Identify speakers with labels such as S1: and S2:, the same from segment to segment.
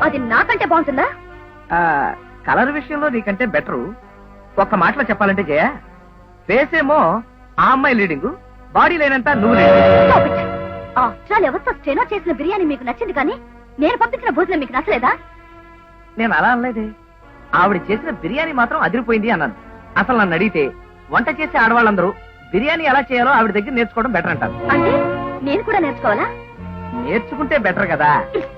S1: అది నాకంటే బాగుంటుందా?
S2: కలర్ విషయంలో నీకంటే బెటరు. ఒక్క మాటలో చెప్పాలంటే జయ, ఫేస్ ఏమో ఆ అమ్మాయి లీడింగ్, బాడీ లేనంత నువ్వు లీడింగ్.
S1: ఎవరితో స్టెనో చేసిన బిర్యానీ మీకు నచ్చింది కానీ నేను పంపించిన భోజనం మీకు నచ్చలేదా?
S2: నేను అలా అనలేదే. ఆవిడ చేసిన బిర్యానీ మాత్రం అదిరిపోయింది అన్నాను. అసలు నన్ను అడిగితే వంట చేసే ఆడవాళ్ళందరూ బిర్యానీ ఎలా చేయాలో ఆవిడ దగ్గర నేర్చుకోవడం బెటర్ అంటారు.
S1: అంటే నేను కూడా నేర్చుకోవాలా?
S2: నేర్చుకుంటే బెటర్ కదా.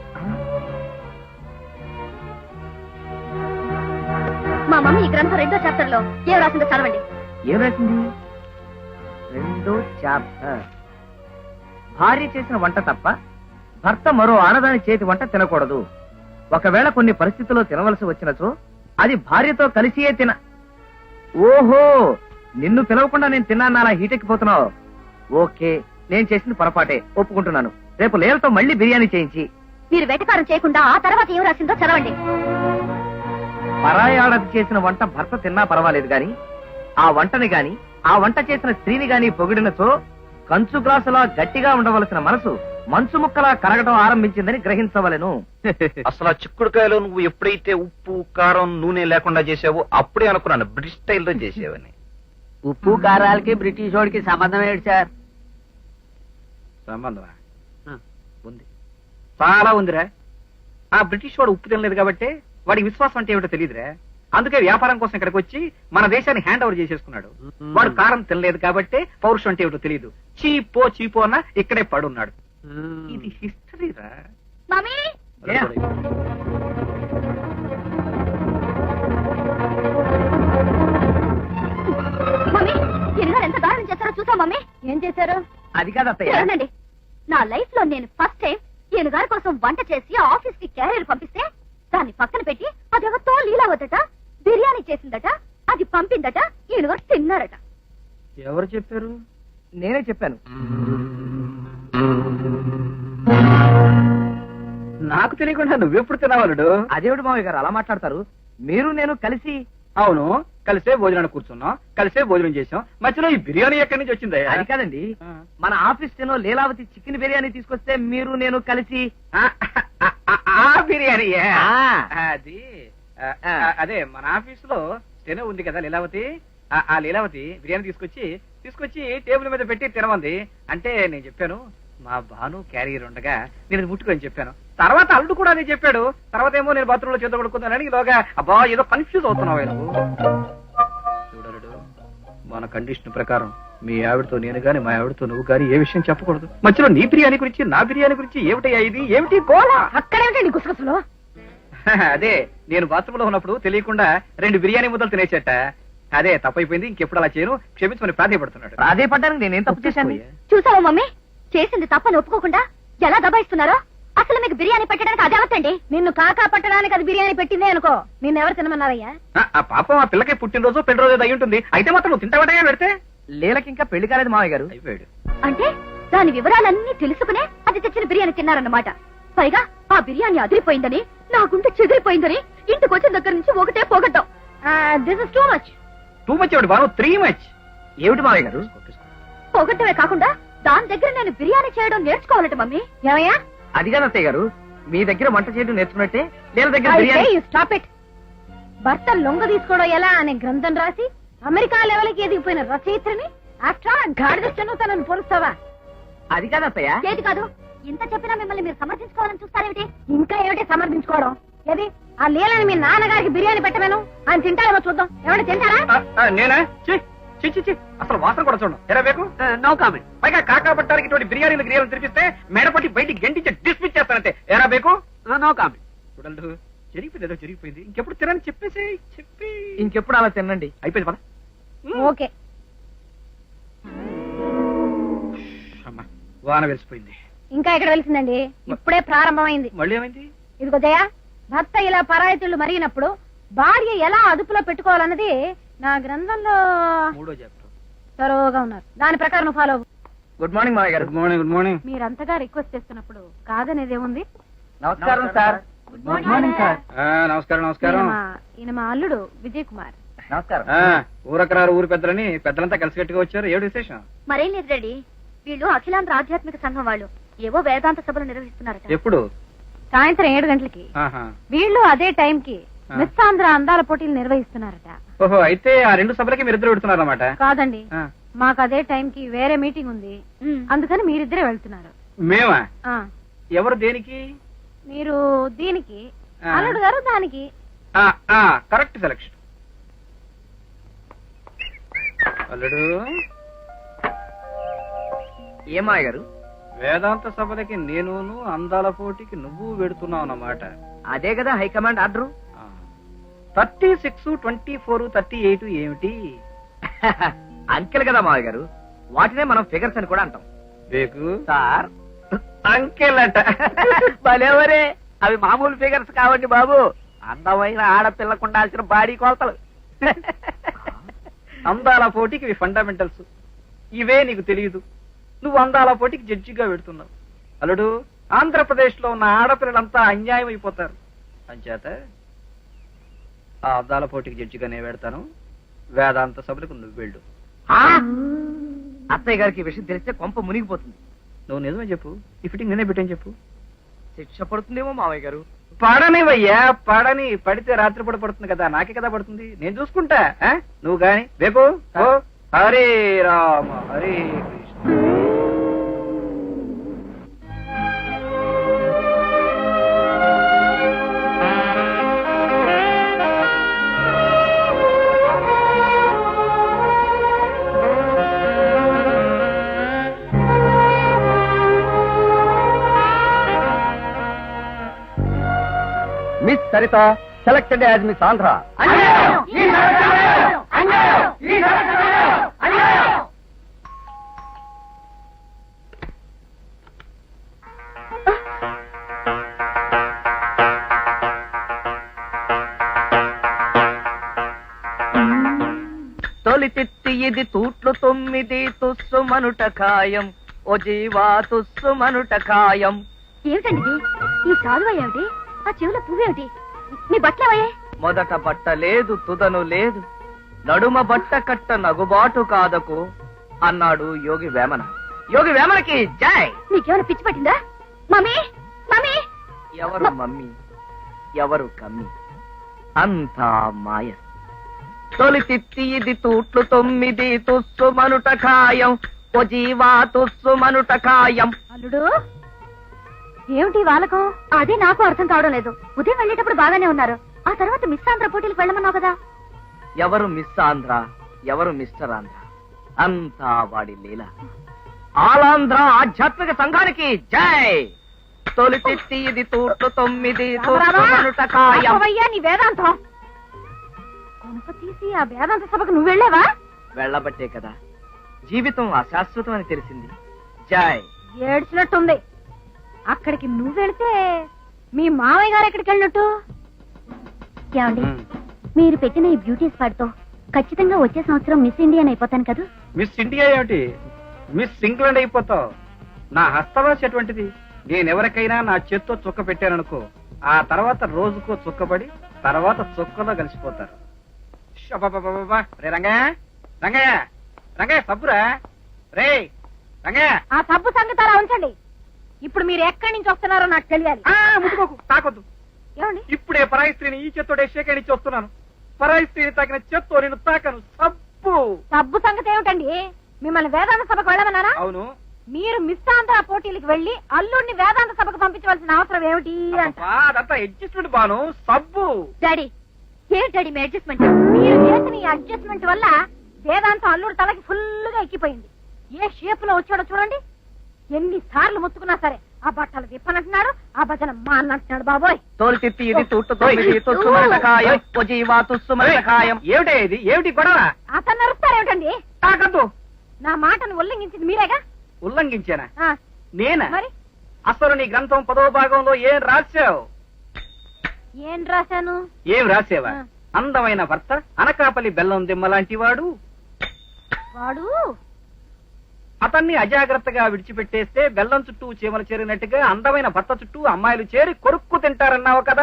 S1: మా మమ్మీ ఈ గ్రంథం 2వ చాప్టర్ లో ఏం రాసిందో చదవండి.
S2: ఏం రాసింది? 2వ చాప్టర్. భార్య చేసిన వంట తప్ప భర్త మరో ఆడదాని చేతి వంట తినకూడదు. ఒకవేళ కొన్ని పరిస్థితుల్లో తినవలసి వచ్చినచో అది భార్యతో కలిసియే తిన. ఓహో, నిన్ను పిలవకుండా నేను తిన్నాను అలా హీటెక్కిపోతున్నావు. ఓకే, నేను చేసింది పొరపాటే, ఒప్పుకుంటున్నాను. రేపు లేలతో మళ్ళీ బిర్యానీ చేయించి.
S1: మీరు వెటకారం చేయకుండా ఆ తర్వాత ఏం రాసిందో చదవండి.
S2: పరాయి ఆడది చేసిన వంట భర్త తిన్నా పర్వాలేదు గాని ఆ వంటని గాని ఆ వంట చేసిన స్త్రీని గాని పొగిడినచో కంచు గ్లాసులా గట్టిగా ఉండవలసిన మనసు మంచు ముక్కలా కరగడం ఆరంభించిందని గ్రహించవలెను.
S3: అసలు ఆ చిక్కుడుకాయలో నువ్వు ఎప్పుడైతే ఉప్పు కారం నూనె లేకుండా చేసావో అప్పుడే అనుకున్నాను బ్రిటిష్ స్టైల్లో చేసేవని.
S4: ఉప్పు కారాలకి బ్రిటిష్ వాడికి సంబంధం ఏంటి సార్?
S3: సంబంధమా? ఉంది, చాలా ఉందిరా. ఆ బ్రిటిష్ వాడు ఉప్పు తినలేదు కాబట్టి వాడికి విశ్వాసం అంటే ఏమిటో తెలియదురా. అందుకే వ్యాపారం కోసం ఇక్కడికి వచ్చి మన దేశాన్ని హ్యాండ్ ఓవర్ చేసేసుకున్నాడు. వాడు కారం తినలేదు కాబట్టి పౌరుషం అంటే ఏమిటో తెలియదు. చీపో అన్న ఇక్కడే పడున్నాడు. ఇది హిస్టరీ రా.
S1: మమ్మీ మమ్మీ ఎన్నో ఎంత దారుణం చేశారో చూసా. మమ్మీ ఏం చేశారు?
S2: అది కాదత్తయ్య.
S1: చూడండి, నా లైఫ్ లో నేను ఫస్ట్ టైం ఈయన గారి కోసం వంట చేసి ఆఫీస్ కి క్యారియర్ పంపిస్తే దాన్ని పక్కన పెట్టి అది ఎవరితో లీలావద్దట, బిర్యానీ చేసిందట, అది పంపిందట, ఈయన గారు తిన్నారట.
S3: ఎవరు చెప్పారు?
S2: నేనే చెప్పాను.
S3: నాకు తెలియకుండా నువ్వెప్పుడు తినవాలుడు?
S2: అదేవిడు మావయ్య గారు అలా మాట్లాడతారు? మీరు నేను కలిసి.
S3: అవును, కలిసే భోజనానికి కూర్చున్నాం, కలిసే భోజనం చేసాం. మధ్యలో ఈ బిర్యానీ ఎక్కడి నుంచి వచ్చింది?
S2: అది కాదండి, మన ఆఫీస్ లో లీలావతి చికెన్ బిర్యానీ తీసుకొస్తే మీరు నేను కలిసి.
S3: ఆ బిర్యానీ అది అదే మన ఆఫీస్ లో స్టెనో ఉంది కదా లీలావతి. ఆ లీలావతి బిర్యానీ తీసుకొచ్చి టేబుల్ మీద పెట్టి తినమంది. అంటే నేను చెప్పాను మా భాను క్యారియర్ ఉండగా నేను ముట్టుకొని చెప్పాను. తర్వాత అల్లుడు కూడా అదే చెప్పాడు. తర్వాత ఏమో నేను బాత్రూమ్ లో చేత పడుకున్నానని ఇలాగా అబ్బా ఏదో కన్ఫ్యూజ్ అవుతున్నావు నువ్వు. చూడరుడు, మన కండిషన్ ప్రకారం మీ ఆవిడతో నేను గాని మా ఆవిడతో నువ్వు గాని ఏ విషయం చెప్పకూడదు. మధ్యలో నీ బిర్యానీ గురించి నా బిర్యానీ గురించి ఏమిటయ్యా ఇది? ఏమిటి గోళ?
S1: అక్కడేమిటండి గుసగుసలు?
S3: అదే నేను బాత్రూమ్ లో ఉన్నప్పుడు తెలియకుండా 2 బిర్యానీ ముద్దలు తినేసేట. అదే తప్పైపోయింది, ఇంకెప్పుడు అలా చేయను, క్షమించమని ప్రాధేయపడుతున్నాడు.
S2: ప్రాధేయపడ్డానికి నేనేం తప్పు చేశాను?
S1: చూసావా మమ్మీ, చేసింది తప్పని ఒప్పుకోకుండా ఎలా దబాయిస్తున్నారో. అసలు మీకు బిర్యానీ పెట్టడానికి అది అవతండి. నిన్ను కాకా పట్టడానికి అది బిర్యానీ పెట్టిందే అనుకో, నిన్నెవరు తినమన్నారయ్యా?
S3: ఆ పాపం ఆ పిల్లకి పుట్టినరోజు పెళ్లి రోజు అయి ఉంటుంది. అయితే మాత్రం నువ్వు తింటావటగా పెడితే.
S2: లీలకి ఇంకా పెళ్లి కాలేదు మావయ్య గారు.
S3: అయిపోయాడు
S1: అంటే దాని వివరాలన్నీ తెలుసుకునే అది తెచ్చిన బిర్యానీ తిన్నారన్నమాట. పైగా ఆ బిర్యానీ అదిరిపోయిందని, నా గుండె చెదిరిపోయిందని ఇంటికి వచ్చిన దగ్గర నుంచి ఒకటే పోగొట్టాం. This is too much.
S3: Too much ఏమిటి బాను? 3 మచ్.
S2: ఏమిటి మావయ్య గారు?
S1: పోగొట్టమే కాకుండా దాని దగ్గర నేను బిర్యానీ చేయడం నేర్చుకోవాలట మమ్మీ. ఏమయ్యా?
S2: అది కాదు అత్తయ్య గారు, మీ దగ్గర వంట చేయడం నేర్చుకున్నట్టే లీల దగ్గర బిర్యానీ.
S1: Stop it. భర్త లొంగ తీసుకోవడం ఎలా అనే గ్రంథం రాసి అమెరికా లెవెల్కి ఎదిగిపోయిన రచయిత్రిని ఆఫ్టర్ గాడిదను తనను పోలుస్తావా?
S2: అది కాదు అత్తయ్య.
S1: ఏది కాదు? ఇంత చెప్పినా మిమ్మల్ని మీరు సమర్థించుకోవాలని చూస్తారేమిటి? ఇంకా ఏమిటి సమర్థించుకోవడం? ఏది ఆ లీలని మీ నాన్నగారికి బిర్యానీ పెట్టమేను, ఆయన తింటారేమో చూద్దాం. ఏమైనా తింటారా?
S3: నేనా? చి అసలు వాసన కూడా చూడండి. ఎలా బేకు?
S4: No comment.
S3: పైగా కాకా పట్టడానికి ఇటువంటి బిర్యానీలు తినిపిస్తే మేడపట్టి బయటికి గంటించి డిస్మిస్ చేస్తానంటే ఎలా బేకు?
S4: No comment.
S3: చూడండి, జరిగిపోయింది ఏదో జరిగిపోయింది. ఇంకెప్పుడు తినని చెప్పేసి
S2: ఇంకెప్పుడు అలా తినండి.
S3: అయిపోయింది పద.
S1: ఓకే.
S3: అమ్మా, వాన వెలిసిపోయింది.
S1: ఇంకా ఎక్కడ వెలిసిందండి? ఇప్పుడే ప్రారంభమైంది.
S3: మళ్ళీ ఏమైంది?
S1: ఇదిగో జయ, భర్త ఇలా పరాయితీళ్లు మరిగినప్పుడు భార్య ఎలా అదుపులో పెట్టుకోవాలన్నది నా గ్రంథంలో
S3: 3వ చాప్టర్.
S1: తరోగా ఉన్నారు. దాని ప్రకారం ఫాలో.
S2: గుడ్ మార్నింగ్ మావయ్య గారు.
S3: Good morning.
S1: మీరంతగా రిక్వెస్ట్ చేస్తున్నప్పుడు కాదనేదేముంది?
S2: నమస్కారం సార్.
S1: Good morning sir.
S3: నమస్కారం.
S1: ఈయన మా అల్లుడు విజయ్ కుమార్.
S2: నమస్కారం.
S3: ఊరకరారు ఊరు పెద్దలని పెద్దలంతా కలిసి కట్టుగా వచ్చారు. ఏడు విశేషం?
S1: మరేం లేదు రెడీ, వీళ్ళు అఖిలాంధ్ర ఆధ్యాత్మిక సంఘం వాళ్ళు ఏవో వేదాంత సభలు నిర్వహిస్తున్నారట.
S3: ఎప్పుడు?
S1: సాయంత్రం 7 గంటలకి.
S3: ఆహా.
S1: వీళ్ళు అదే టైంకి మిస్ ఆంధ్ర అందాల పోటీలు నిర్వహిస్తున్నారట.
S3: ఓహో, అయితే ఆ 2 సభలకి మీరిద్దరు పెడుతున్నారన్నమాట.
S1: కాదండి, మాకు అదే టైంకి వేరే మీటింగ్ ఉంది, అందుకని మీరిద్దరే వెళ్తున్నారు.
S3: మేమా?
S1: ఆ,
S3: ఎవరు దేనికి?
S1: మీరు దీనికి, అల్లుడు గారు దానికి.
S3: Correct selection. అల్లుడు,
S2: ఏమాయ గారు?
S3: వేదాంత సభలకి నేను, అందాల పోటీకి నువ్వు వెడుతున్నావు అన్నమాట.
S2: అదే కదా హైకమాండ్ ఆర్డరు.
S3: 36, 24, 38 ఏమిటి?
S2: అంకెలు కదా మావయ్య గారు, వాటినే మనం ఫిగర్స్ అని కూడా అంటాం.
S3: బేకు
S2: సార్,
S3: అంకెలట.
S4: భలేవరే, అవి మామూలు ఫిగర్స్ కావండి బాబు, అందమైన ఆడపిల్లకు ఉండాల్సిన బాడీ కొలతలు.
S3: అందాల పోటీకి ఇవి ఫండమెంటల్స్. ఇవే నీకు తెలియదు. నువ్వు అందాల పోటీకి జడ్జిగా పెడుతున్నావు. అల్లుడు, ఆంధ్రప్రదేశ్ లో ఉన్న ఆడపిల్లలంతా అన్యాయం అయిపోతారు. అంచేత ఆ అందాల పోటీకి జడ్జిగా నేను పెడతాను. వేదాంత సభలకు నువ్వు వెళ్ళు.
S2: అత్తయ్య గారికి ఈ విషయం తెలిస్తే కొంప మునిగిపోతుంది.
S3: నువ్వు నిజమే చెప్పు, ఈ ఫిట్టింగ్ నేనే పెట్టని చెప్పు.
S2: శిక్ష పడుతుందేమో మావయ్య గారు.
S3: పడనివయ్యా, పడని. పడితే రాత్రి పూట పడుతుంది కదా, నాకే కదా పడుతుంది. నేను చూసుకుంటా. నువ్వు గాని బేకు. Hare Rama Hare Krishna.
S2: Miss Sarita selected as miss Andhra. తొలి తిత్తి ఇది తూట్లు 9 తుస్సు మనుట ఖాయం, ఓ జీవా తుస్సు మనుట ఖాయం.
S1: ఏమిటండి ఇది? ఈ సాల్వ ఏమిటి? ఆ చెవుల పువ్వేమిటి? నీ బట్టలేవయ్యే?
S2: మొదట బట్ట లేదు, తుదను లేదు, నడుమ బట్ట కట్ట నగుబాటు కాదకు అన్నాడు యోగి వేమన. యోగి వేమనకి జై.
S1: నీకేమైనా పిచ్చి పట్టిందా? Mummy, mummy.
S2: ఎవరు మమ్మీ, ఎవరు కమ్మి, అంతా మాయ. తొలి తిత్తి ఇది తూట్లు 9 తుస్సు మనుట ఖాయం, ఓ జీవా తుస్సు మనుట ఖాయం.
S1: అల్లుడు, ఏమిటి వాళ్ళకం? అదే నాకు అర్థం కావడం లేదు. ఉదయం వెళ్ళేటప్పుడు బాగానే ఉన్నారు, ఆ తర్వాత మిస్ ఆంధ్ర పోటీలకు వెళ్ళమన్నావు కదా.
S2: ఎవరు మిస్ ఆంధ్ర, ఎవరు మిస్టర్ ఆంధ్ర, అంతా వాడి లీల. ఆలాంధ్ర ఆధ్యాత్మిక సంఘానికి జై. తొలి తిత్తి ఇది తూట్లు 9 తుస్సు మనుట ఖాయం.
S1: అవ్వయ్యా, నీ వేదాంతం కొనుక తీసి ఆ వేదాంత సభకు నువ్వు వెళ్ళావా?
S2: వెళ్ళబట్టే కదా జీవితం అశాశ్వతం అని తెలిసింది. జై.
S1: ఏడ్చినట్టుంది. అక్కడికి నువ్వు వెళితే మీ మామయ్య గారు ఎక్కడికి వెళ్ళినట్టు? ఏమండి, మీరు పెట్టిన ఈ బ్యూటీ స్పాట్ తో ఖచ్చితంగా వచ్చే సంవత్సరం మిస్ ఇండియన్ అయిపోతాను కదా.
S3: మిస్ ఇండియా ఏమిటి, మిస్ ఇంగ్లాండ్ అయిపోతావు. నా హస్తవాసి అటువంటిది. నేనెవరికైనా నా చేత్తో చుక్క పెట్టాననుకో, ఆ తర్వాత రోజుకో చుక్కబడి తర్వాత చుక్కలో కలిసిపోతారు. రే రంగయ్య, రంగయ్య, రంగయ్య సబ్బురా. రే రంగయ్య.
S1: ఆ సబ్బు సంగతి అలా ఉంచండి. ఇప్పుడు మీరు ఎక్కడి నుంచి వస్తున్నారో నాకు తెలియాలి.
S3: ముట్టుకోకు, తాకొద్దు.
S1: ఏమండి,
S3: ఇప్పుడే పరాయి స్త్రీని ఈ చేత్తోడే షేకరించి వస్తున్నాను. పరాయి స్త్రీని తాకిన చేత్తో నేను తాకను. సబ్బు.
S1: సబ్బు సంగతి ఏమిటండి? మిమ్మల్ని వేదాంత సభకు వెళ్ళమన్నారా?
S3: అవును.
S1: మీరు మిస్ ఆంధ్ర పోటీలకు వెళ్లి అల్లుడిని వేదాంత సభకు పంపించవలసిన అవసరం ఏమిటి?
S3: అదంతా అడ్జస్ట్మెంట్ బాను. సబ్బు.
S1: డాడీ, ఏంటి డాడీ మీ అడ్జస్ట్మెంట్? మీరు చేసిన ఈ అడ్జస్ట్మెంట్ వల్ల వేదాంతం అల్లుడు తలకి ఫుల్ గా ఎక్కిపోయింది. ఏ షేప్ లో వచ్చాడో చూడండి. ఎన్ని సార్లు ముత్తుకున్నా సరే ఆ బట్టలు విప్పనంటున్నాడు, ఆ భజన మా అన్నంటున్నాడు. బాబోయ్.
S2: తోలు తిత్తి ఇది తూట్లు 9 తుస్సు మనుట ఖాయం, ఓ జీవా తుస్సు మనుట ఖాయం.
S3: ఏమిటే ఇది? ఏమిటి గొడవ?
S1: అతను నరుస్తారేమిటండి?
S3: తాకద్దు.
S1: నా మాటను ఉల్లంఘించింది మీరేగా.
S3: ఉల్లంఘించానా?
S1: ఆ,
S3: నేనా?
S1: మరి
S3: అసలు నీ గ్రంథం 10వ భాగంలో ఏం రాశావు?
S1: ఏం రాశాను?
S3: ఏం రాసేవా? అందమైన భర్త, అనకాపల్లి బెల్లం దిమ్మ లాంటి వాడు,
S1: వాడు
S3: అతన్ని అజాగ్రత్తగా విడిచిపెట్టేస్తే బెల్లం చుట్టూ చీమలు చేరినట్టుగా అందమైన భర్త చుట్టూ అమ్మాయిలు చేరి కొరుక్కు తింటారన్నావు కదా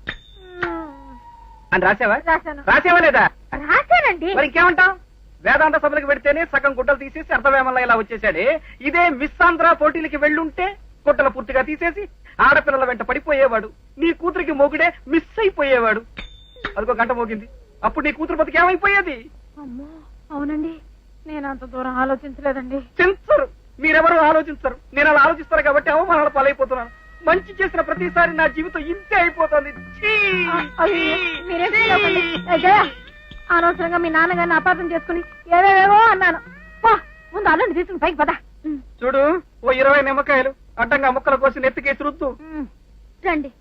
S3: అని రాసావా?
S1: రాశాను.
S3: రాసేవా లేదా?
S1: రాశానండి.
S3: మరి ఇంకేమంటావు? వేదాంత సభలకు పెడితేనే సగం గుడ్డలు తీసేసి అర్ధవేమల్లా ఇలా వచ్చేసాడే. ఇదే మిస్ ఆంధ్ర పోటీలకి వెళ్ళుంటే గుడ్డలు పూర్తిగా తీసేసి ఆడపిల్లల వెంట పడిపోయేవాడు, నీ కూతురికి మొగుడే మిస్ అయిపోయేవాడు. అదిగో గంట మోగింది, అప్పుడు నీ కూతురు బతికి ఏమైపోయేది?
S1: అమ్మో అవునండి, నేను అంత దూరం ఆలోచించలేదండి.
S3: చించరు, మీరెవరు ఆలోచించరు. నేను అలా ఆలోచిస్తారు కాబట్టి అవమానాల పాలైపోతున్నాను. మంచి చేసిన ప్రతిసారి నా జీవితం ఇంతే అయిపోతుంది. ఛీ!
S1: మీరేం చేయకండి. జయ, అనవసరంగా మీ నాన్నగారిని అపార్థం చేసుకుని ఏవేవో అన్నాను. పో, ముందు అల్లుని తీసుకుని పైకి పద.
S3: చూడు, ఓ 20 నిమ్మకాయలు అడ్డంగా ముక్కల కోసి నెత్తికేసి రుద్దు.
S1: రండి.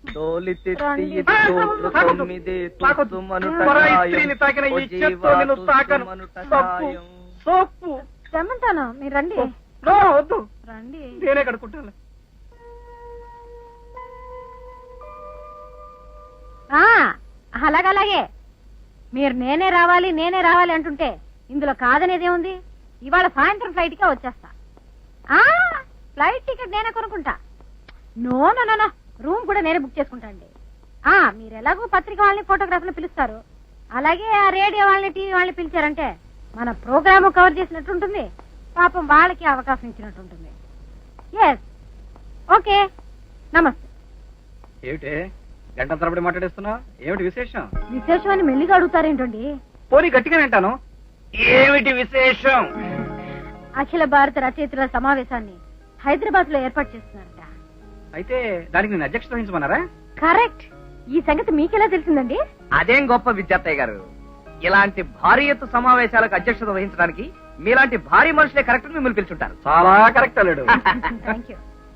S3: పరాయి స్త్రీని తాకిన ఈ చేత్తో నిన్ను తాకను. సోపు, సోపు.
S1: రమ్మంటాను, మీరు రండి.
S3: నో, వద్దు,
S1: రండి.
S3: నేనే కడుక్కుంటాను.
S1: అలాగలాగే మీరు నేనే రావాలి అంటుంటే ఇందులో కాదనేదేముంది? ఇవాళ సాయంత్రం ఫ్లైట్ కే వచ్చేస్తా. ఫ్లైట్ టికెట్ నేనే కొనుక్కుంటా. నో నో నో, రూమ్ కూడా నేనే బుక్ చేసుకుంటా అండి. మీరు ఎలాగో పత్రిక వాళ్ళని ఫోటోగ్రాఫర్ని పిలుస్తారు, అలాగే ఆ రేడియో వాళ్ళని టీవీ వాళ్ళని పిలిచారంటే మన ప్రోగ్రాము కవర్ చేసినట్టుంటుంది, పాపం వాళ్ళకి అవకాశం ఇచ్చినట్టుంటుంది. ఎస్, ఓకే, నమస్తే.
S3: ఏమిటే గంట తరబడి మాట్లాడేస్తున్నావు? ఏమిటి విశేషం?
S1: విశేషం అని మెల్లిగా అడుగుతారేంటండి?
S3: పోనీ గట్టిగా వింటాను. ఏమిటి విశేషం?
S1: అఖిల భారత రచయితల సమావేశాన్ని హైదరాబాద్ లో ఏర్పాటు చేస్తున్నారట.
S3: అయితే దానికి నేను అధ్యక్షత వహించమన్నారా?
S1: కరెక్ట్. ఈ సంగతి మీకెలా తెలిసిందండి?
S2: అదేం గొప్ప విద్యార్థయ్య గారు, ఇలాంటి భారీ ఎత్తు సమావేశాలకు అధ్యక్షత వహించడానికి మీలాంటి భారీ మనుషులే కరెక్ట్ మిమ్మల్ని పిలుచుంటారు.
S3: చాలా కరెక్ట్ అల్లుడు.
S1: Thank you.